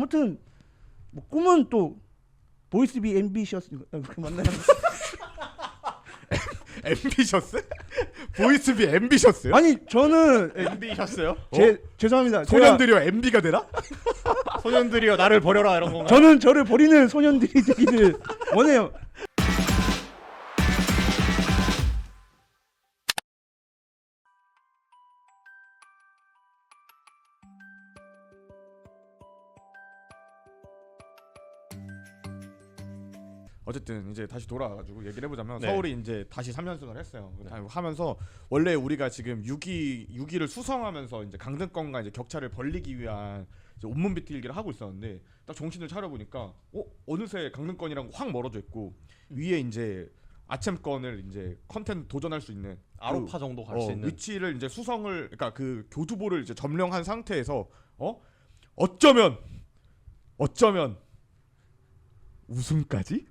아무튼 뭐 꿈은 또 보이스비 앰비셔스 맞나요? 앰비셔스? 보이스비 앰비셔스요? 아니 저는 MB셨어요? 죄송합니다. 소년들이요 MB가 되나? 소년들이여 나를 버려라 이런 건가요? 저는 저를 버리는 소년들이 되기를 원해요. 어쨌든 이제 다시 돌아와가지고 얘기를 해보자면 네. 서울이 이제 다시 3연승을 했어요. 하면서 원래 우리가 지금 6위를 수성하면서 이제 강등권과 이제 격차를 벌리기 위한 이제 온몸 비틀기를 하고 있었는데 딱 정신을 차려보니까 어느새 강등권이랑 확 멀어져 있고 위에 이제 아챔권을 이제 컨텐츠 도전할 수 있는 아로파 정도 갈 수 있는 위치를 이제 수성을 그러니까 그 교두보를 이제 점령한 상태에서 어쩌면 우승까지?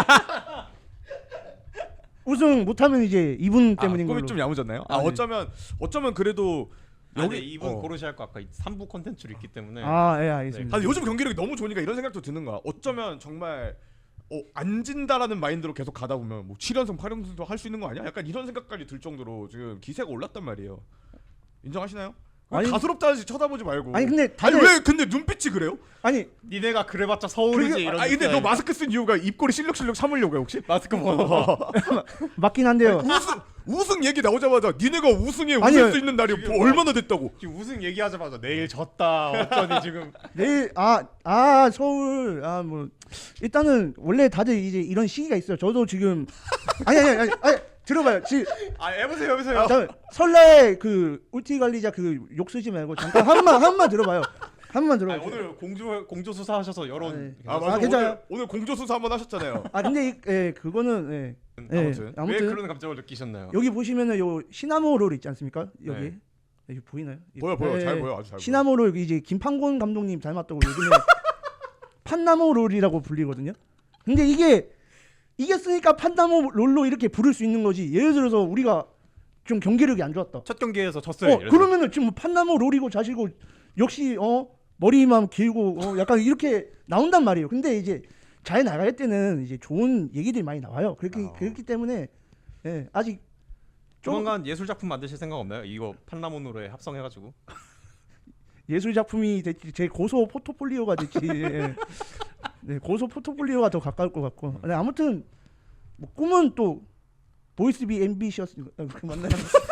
우승 못하면 이제 이분 때문인 걸로. 꿈이 좀 야무졌나요? 네. 어쩌면 그래도 여기 여기 이분 고르시할 거 아까 3부 콘텐츠로 있기 때문에 예 알겠습니다. 요즘 경기력이 너무 좋으니까 이런 생각도 드는 거야. 어쩌면 정말 안 진다라는 마인드로 계속 가다 보면 뭐 7연승 8연승도 할 수 있는 거 아니야? 약간 이런 생각까지 들 정도로 지금 기세가 올랐단 말이에요. 인정하시나요? 아니, 가스롭다지 쳐다보지 말고. 아니 근데 다들 왜 근데 눈빛이 그래요? 아니 니네가 그래봤자 서울이지 이런. 근데 너 마스크 쓴 이유가 입꼬리 실룩실룩 참으려고요 혹시? 마스크 벗어. 맞긴 한데요. 우승 얘기 나오자마자 니네가 우승에 웃을 아니요. 수 있는 날이 뭐 얼마나 됐다고? 지금 우승 얘기하자마자 내일 졌다 어쩌니 지금. 내일 서울 뭐 일단은 원래 다들 이제 이런 시기가 있어요. 저도 지금 아니 들어봐요. 지금 해보세요. 설날 그 울티 관리자 그 욕 쓰지 말고 잠깐 한 번만 들어봐요. 한 번만 들어봐요. 오늘 공조 수사하셔서 여론. 맞아. 괜찮아요. 오늘 공조 수사 한번 하셨잖아요. 근데 그거는 아무튼. 왜 그런 감정을 느끼셨나요? 여기 보시면은 요 시나모 롤 있지 않습니까? 여기 네. 여기 보이나요? 보여 잘 보여 아주 잘 보여. 시나모 롤 이제 김판곤 감독님 닮았다고 요즘에 판나모 롤이라고 불리거든요. 근데 이게 이겼으니까 판나모 롤로 이렇게 부를 수 있는 거지. 예를 들어서 우리가 좀 경기력이 안 좋았다. 첫 경기에서 졌어요. 그러면은 지금 뭐 판나모 롤이고 자시고 역시 머리만 길고 약간 이렇게 나온단 말이에요. 근데 이제 잘 나갈 때는 이제 좋은 얘기들이 많이 나와요. 그렇기 때문에 아직 조만간 예술 작품 만드실 생각 없나요? 이거 판라몬으로에 합성해가지고. 예술 작품이 될지 제 고소 포트폴리오가 될지 네, 고소 포트폴리오가 더 가까울 것 같고. 네, 아무튼 뭐 꿈은 또 보이스비 앰비셔스 맞나요?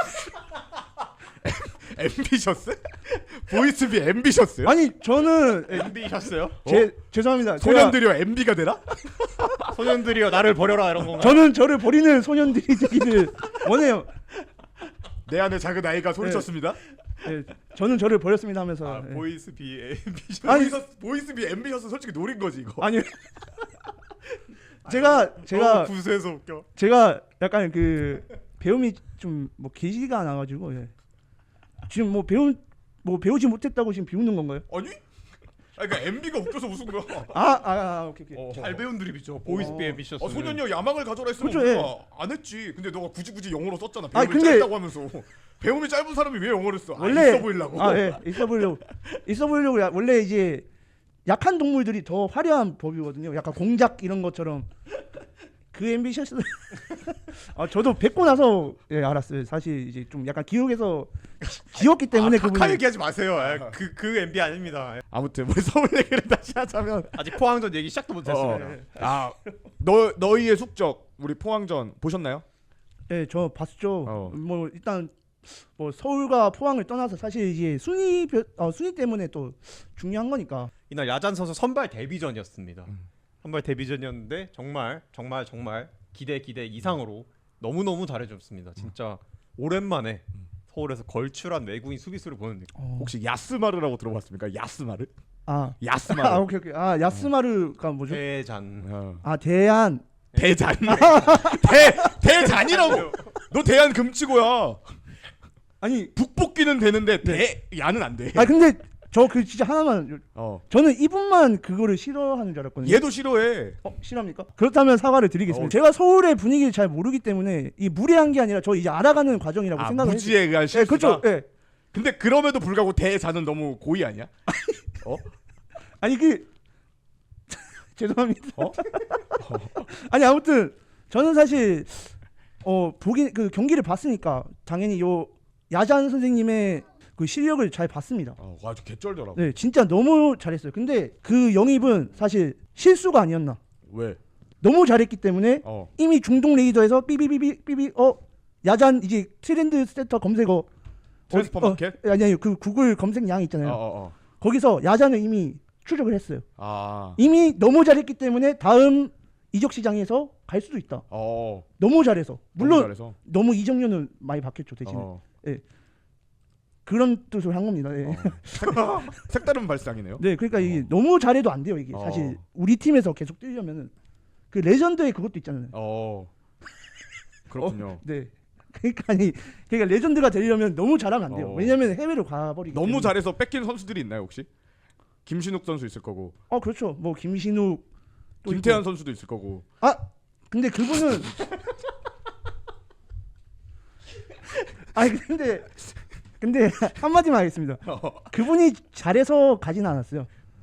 앰비셔스? 보이스비 앰비셔스요? 아니 저는 MB셨어요? 죄송합니다. 소년들이요 MB가 되나? 소년들이여 나를 버려라 이런 건가요? 저는 저를 버리는 소년들이 되기를 원해요. 내 안에 작은 아이가 소리쳤습니다. 네, 저는 저를 버렸습니다 하면서. 네. 보이스비 MB셨. 아니 보이스비 앰비셔스 솔직히 노린 거지 이거. 아니 제가 구수해서 웃겨. 제가 약간 그 배움이 좀 뭐 계시가 나가지고 지금 뭐 배우지 못했다고 지금 비웃는 건가요? 아니? 그러니까 MB가 웃겨서 웃은 거야. 오케이. 잘 배운 드립이죠. 보이스비 MB셨어. 소년이여 야망을 가져라 했으면 그렇죠, 우리가 안 했지. 근데 너가 굳이 영어로 썼잖아. 아니, 배움이 근데- 짧다고 하면서. 배움이 짧은 사람이 왜 영어를 써? 원래 있어 보이려고. 있어 보이려고 원래 이제 약한 동물들이 더 화려한 법이거든요. 약간 공작 이런 것처럼 그 앰비셔스. 저도 뵙고 나서 알았어요. 사실 이제 좀 약간 기억에서 지웠기 때문에 카카 그분이 얘기하지 마세요. 그 MB 아닙니다. 아무튼 우리 서울 얘기를 다시 하자면 아직 포항전 얘기 시작도 못했습니다. 너희의 숙적 우리 포항전 보셨나요? 네, 저 봤죠. 뭐 일단 뭐 서울과 포항을 떠나서 사실 이제 순위 때문에 또 중요한 거니까. 이날 야잔 선수 선발 데뷔전이었습니다. 선발 데뷔전이었는데 정말 기대 이상으로 너무 잘해줬습니다. 진짜 오랜만에 서울에서 걸출한 외국인 수비수를 보는 느낌. 혹시 야스마르라고 들어봤습니까? 야스마르? 야스마르. 오케이. 야스마르가 뭐죠? 대잔. 대한. 대잔. 대잔이라고. 너 대한 금치고야. 아니 북복기는 되는데 대야는 안 돼. 근데 저 그 진짜 하나만 저는 이분만 그거를 싫어하는 줄 알았거든요. 얘도 싫어해. 싫어합니까? 그렇다면 사과를 드리겠습니다. 제가 서울의 분위기를 잘 모르기 때문에 이 무례한 게 아니라 저 이제 알아가는 과정이라고 생각을 해요. 무지에 의한 실수다. 그렇죠. 근데 그럼에도 불구하고 대자는 너무 고의 아니야? 아니 그 죄송합니다. 어? 아니 아무튼 저는 사실 보기 그 경기를 봤으니까 당연히 요 야잔 선생님의 그 실력을 잘 봤습니다. 아주 개쩔더라고. 네, 진짜 너무 잘했어요. 근데 그 영입은 사실 실수가 아니었나. 왜? 너무 잘했기 때문에 어. 이미 중동 레이더에서 삐삐삐삐삐 야잔 이제 트렌드 센터 검색어 트랜스퍼마켓? 아니요 그 구글 검색량 있잖아요. 어. 거기서 야잔을 이미 추적을 했어요. 아. 이미 너무 잘했기 때문에 다음 이적 시장에서 갈 수도 있다. 너무 잘해서 물론 잘해서. 너무 이적료는 많이 받겠죠 대신에. 그런 뜻으로 한 겁니다. 네. 색다른 발상이네요. 네, 그러니까 이게 너무 잘해도 안 돼요. 이게 사실 우리 팀에서 계속 뛰려면은 그 레전드의 그것도 있잖아요. 그렇군요. 네. 그러니까 레전드가 되려면 너무 잘하면 안 돼요. 왜냐면 해외로 가버리기 너무 때문에. 잘해서 뺏긴 선수들이 있나요 혹시? 김신욱 선수 있을 거고. 그렇죠. 뭐 김신욱, 또 김태환 있고. 선수도 있을 거고. 근데 그분은 아니 근데 한마디만 하겠습니다. 그분이 잘해서 가진 않았어요.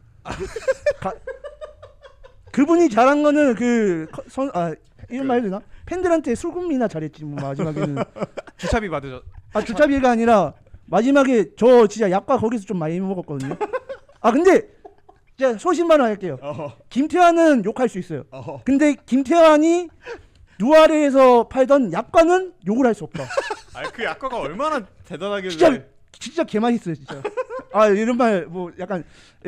그분이 잘한 거는 이런 말 해도 되나? 팬들한테 술금이나 잘했지 뭐 마지막에는. 주차비 받으셨. 주차비가 아니라 마지막에 저 진짜 약과 거기서 좀 많이 먹었거든요. 근데 제가 소신발언 할게요. 김태환은 욕할 수 있어요. 근데 김태환이 누아레에서 팔던 약과는 욕을 할 수 없다. 그 약과가 얼마나 대단하길래. 진짜 개맛있어요 진짜. 이런 말 뭐 약간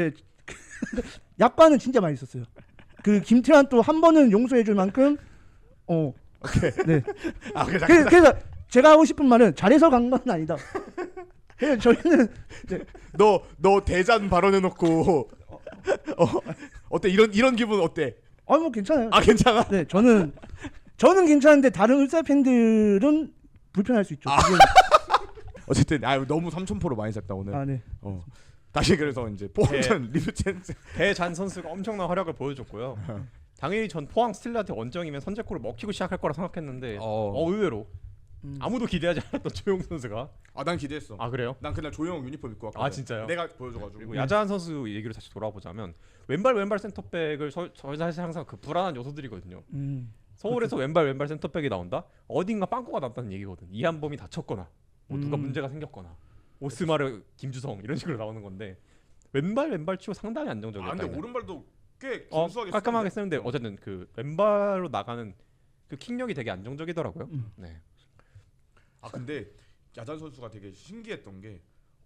약과는 진짜 맛있었어요. 그 김태환 또 한 번은 용서해줄 만큼 오케이. 네. 그래서 제가 하고 싶은 말은 잘해서 간 건 아니다. 그래서 저희는 너 대잔 발언해놓고 어때 이런 기분 어때? 뭐 괜찮아요. 괜찮아? 네, 저는 괜찮은데 다른 울산 팬들은 불편할 수 있죠. 어쨌든 너무 삼천포로 많이 쐈다 오늘. 네. 다시 그래서 이제 포항전 리뷰첸스 대잔 선수가 엄청난 활약을 보여줬고요. 당연히 전 포항 스틸러한테 원정이면 선제골을 먹히고 시작할 거라 생각했는데 의외로 아무도 기대하지 않았던 조용 선수가. 난 기대했어. 그래요? 난 그날 조용 유니폼 입고 왔거든. 진짜요? 내가 보여줘가지고. 그리고 야자한 선수 얘기를 다시 돌아보자면 왼발 센터백을 저희 사실 항상 그 불안한 요소들이거든요. 서울에서 왼발 센터백이 나온다? 어딘가 빵꾸가 났다는 얘기거든. 이한범이 다쳤거나 뭐 누가 문제가 생겼거나 오스마르 김주성 이런 식으로 나오는 건데 왼발 치고 상당히 안정적이었다. 근데 오른발도 꽤 준수하게 깔끔하게 쓰는데 어쨌든 그 왼발로 나가는 그 킥력이 되게 안정적이더라고요. 네. 근데 야잔 선수가 되게 신기했던 게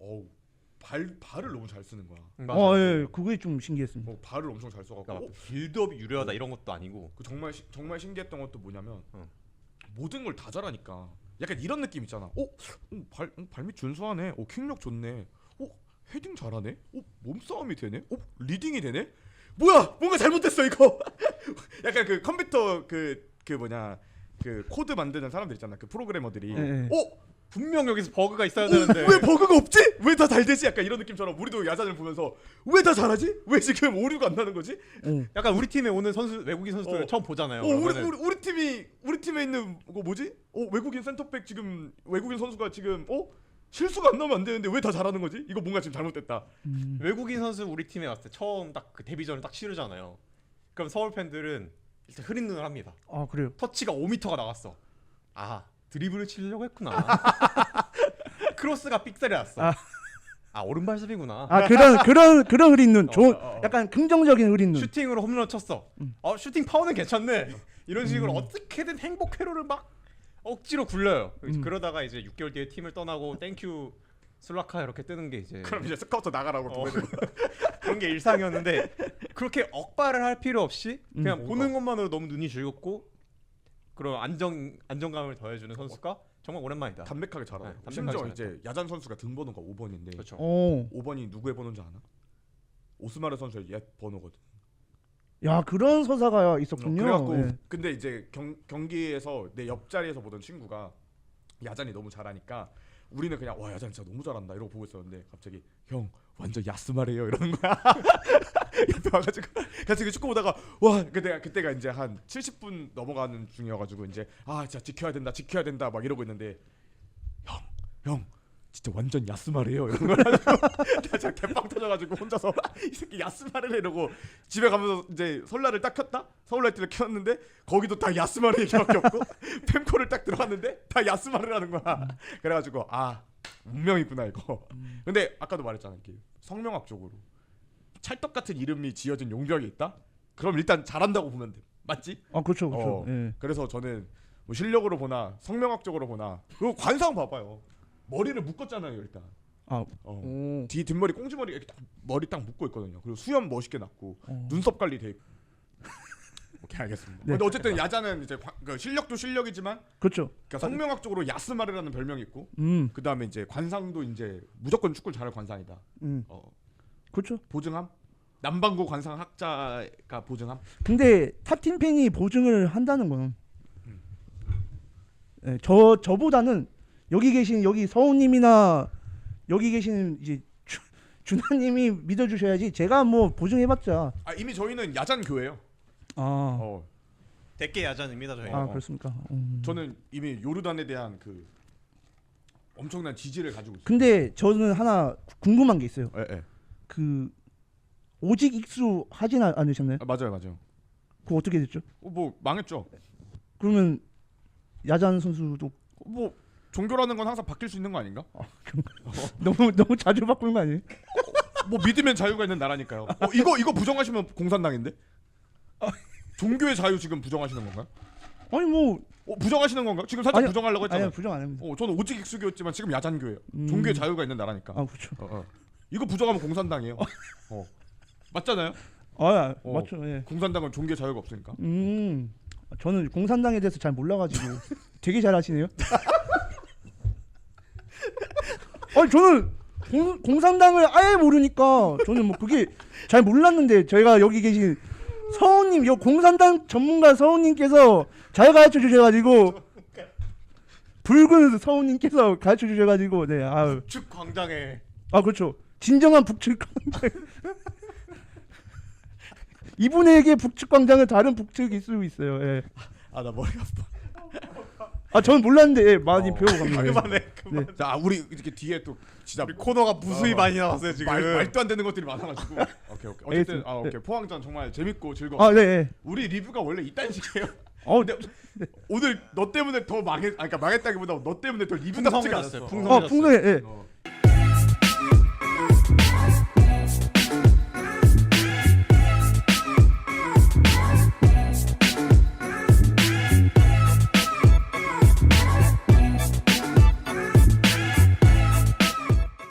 발을 너무 잘 쓰는 거야. 예, 그게 좀 신기했습니다. 발을 엄청 잘 써갖고 그러니까 빌드업이 유려하다 이런 것도 아니고 정말 신기했던 것도 뭐냐면 모든 걸 다 잘하니까 약간 이런 느낌 있잖아. 발밑 준수하네. 킥력 좋네. 헤딩 잘하네. 몸싸움이 되네. 리딩이 되네. 뭐야? 뭔가 잘못됐어 이거. 약간 그 컴퓨터 그 코드 만드는 사람들 있잖아. 그 프로그래머들이. 분명 여기서 버그가 있어야 되는데 왜 버그가 없지? 왜 다 잘 되지? 약간 이런 느낌처럼 우리도 야잔을 보면서 왜 다 잘하지? 왜 지금 오류가 안 나는 거지? 약간 우리 팀에 오는 외국인 선수들 처음 보잖아요. 우리 팀에 있는 뭐지? 외국인 센터백 지금 외국인 선수가 지금 실수가 안 나면 안 되는데 왜 다 잘하는 거지? 이거 뭔가 지금 잘못됐다. 외국인 선수 우리 팀에 왔을 때 처음 딱 그 데뷔전을 딱 치르잖아요. 그럼 서울 팬들은 일단 흐린 눈을 합니다. 그래요? 터치가 5m가 나갔어. 드리블을 치려고 했구나. 크로스가 삑살이 났어. 오른발 수비구나. 그런 흐린 눈. 약간 긍정적인 흐린 눈. 슈팅으로 홈런 쳤어. 슈팅 파워는 괜찮네. 이런 식으로 어떻게든 행복 회로를 막 억지로 굴려요. 그러다가 이제 6개월 뒤에 팀을 떠나고 땡큐 슬라카 이렇게 뜨는 게 이제 그럼 이제 스카우터 나가라고 그런 게 일상이었는데 그렇게 억발을 할 필요 없이 그냥 보는 것만으로 너무 눈이 즐겁고 그런 안정감을 더해주는 선수가 정말 오랜만이다. 담백하게 잘하고. 네, 심지어 담백하게 이제 야잔 선수가 등번호가 5번인데. 그렇죠. 5번이 누구의 번호인지 아나? 오스마르 선수의 옛 번호거든. 야, 그런 서사가 있었군요. 그래갖고 근데 이제 경기에서 내 옆자리에서 보던 친구가 야잔이 너무 잘하니까 우리는 그냥 와 야잔 진짜 너무 잘한다 이러고 보고 있었는데 갑자기 형 완전 야스마래요 이러는 거야. 옆에 와가지고 같이 축구 보다가 와 그때가 이제 한 70분 넘어가는 중이어가지고 이제 진짜 지켜야 된다 막 이러고 있는데 형 진짜 완전 야스마래요 이런 걸 하고 나 진짜 개빵 터져가지고 혼자서 이 새끼 야스마래래 이러고 집에 가면서 이제 설날을 딱 켰다 서울라이트를 켰는데 거기도 다 야스마래 얘기밖에 없고 팸코를 딱 들어갔는데 다 야스마래라는 거야. 그래가지고 아 운명이구나 이거. 근데 아까도 말했잖아 이게 성명학적으로 찰떡 같은 이름이 지어진 용병이 있다. 그럼 일단 잘한다고 보면 돼. 맞지? 아 그렇죠, 그렇죠. 예. 그래서 저는 뭐 실력으로 보나 성명학적으로 보나 그리고 관상 봐봐요. 머리를 묶었잖아요 일단. 아, 어. 뒷머리 꽁지머리 이렇게 딱 머리 딱 묶고 있거든요. 그리고 수염 멋있게 났고 눈썹 관리 돼 있고. 오케이 알겠습니다. 네. 근데 어쨌든 야자는 이제 그 실력도 실력이지만 그렇죠. 그러니까 성명학적으로 야스마르라는 별명이 있고 그 다음에 이제 관상도 이제 무조건 축구를 잘할 관상이다. 그렇죠. 보증함? 남반구 관상학자가 보증함? 근데 탑팀 팬이 보증을 한다는 건 예, 저보다는 여기 계신 여기 서우님이나 여기 계신 이제 준하님이 믿어주셔야지 제가 뭐 보증해봤자 아 이미 저희는 야잔 교회예요. 아, 대개 야잔입니다 저희. 아 그렇습니까? 저는 이미 요르단에 대한 그 엄청난 지지를 가지고 있어요. 근데 저는 하나 궁금한 게 있어요. 예. 그 오직 익수 하진 않으셨나요? 아, 맞아요. 그거 어떻게 됐죠? 뭐 망했죠. 그러면 야잔 선수도 뭐 종교라는 건 항상 바뀔 수 있는 거 아닌가? 너무 자주 바꾸는 거 아니에요? 뭐 믿으면 자유가 있는 나라니까요. 이거 부정하시면 공산당인데? 종교의 자유 지금 부정하시는 건가요? 아니 뭐 부정하시는 건가요? 지금 살짝 아니요. 부정하려고 했잖아요. 아니 부정 안 합니다. 저는 오직 익숙이었지만 지금 야잔교예요. 종교의 자유가 있는 나라니까. 아 그렇죠. 이거 부정하면 공산당이에요. 맞잖아요. 아 맞죠. 예. 공산당은 종교의 자유가 없으니까. 저는 공산당에 대해서 잘 몰라가지고 되게 잘하시네요. 아니 저는 공산당을 아예 모르니까 저는 뭐 그게 잘 몰랐는데 저희가 여기 계신 서우님, 요 공산당 전문가 서우님께서 잘 가르쳐 주셔가지고 붉은 서우님께서 가르쳐 주셔가지고 네 아유 축 광장에 아 그렇죠 진정한 북측 광장 이분에게 북측 광장은 다른 북측이 있을 수 있어요. 예. 아 나 머리 아파. 아 저는 몰랐는데 예, 많이 배워갑니다. 그만해. 네. 자 우리 이렇게 뒤에 또 진짜 우리 코너가 무수히 많이 나왔어요 지금. 말도 안 되는 것들이 많아가지고. 오케이. 어쨌든 알겠습니다. 오케이 포항전 정말 재밌고 즐거워. 아 네. 네. 우리 리뷰가 원래 이딴 식이에요. 근데 오늘 너 때문에 더 그러니까 망했다기보다 너 때문에 더 리뷰가 풍성해졌어요. 지 않았어. 풍성해졌어요. 풍성해. 예.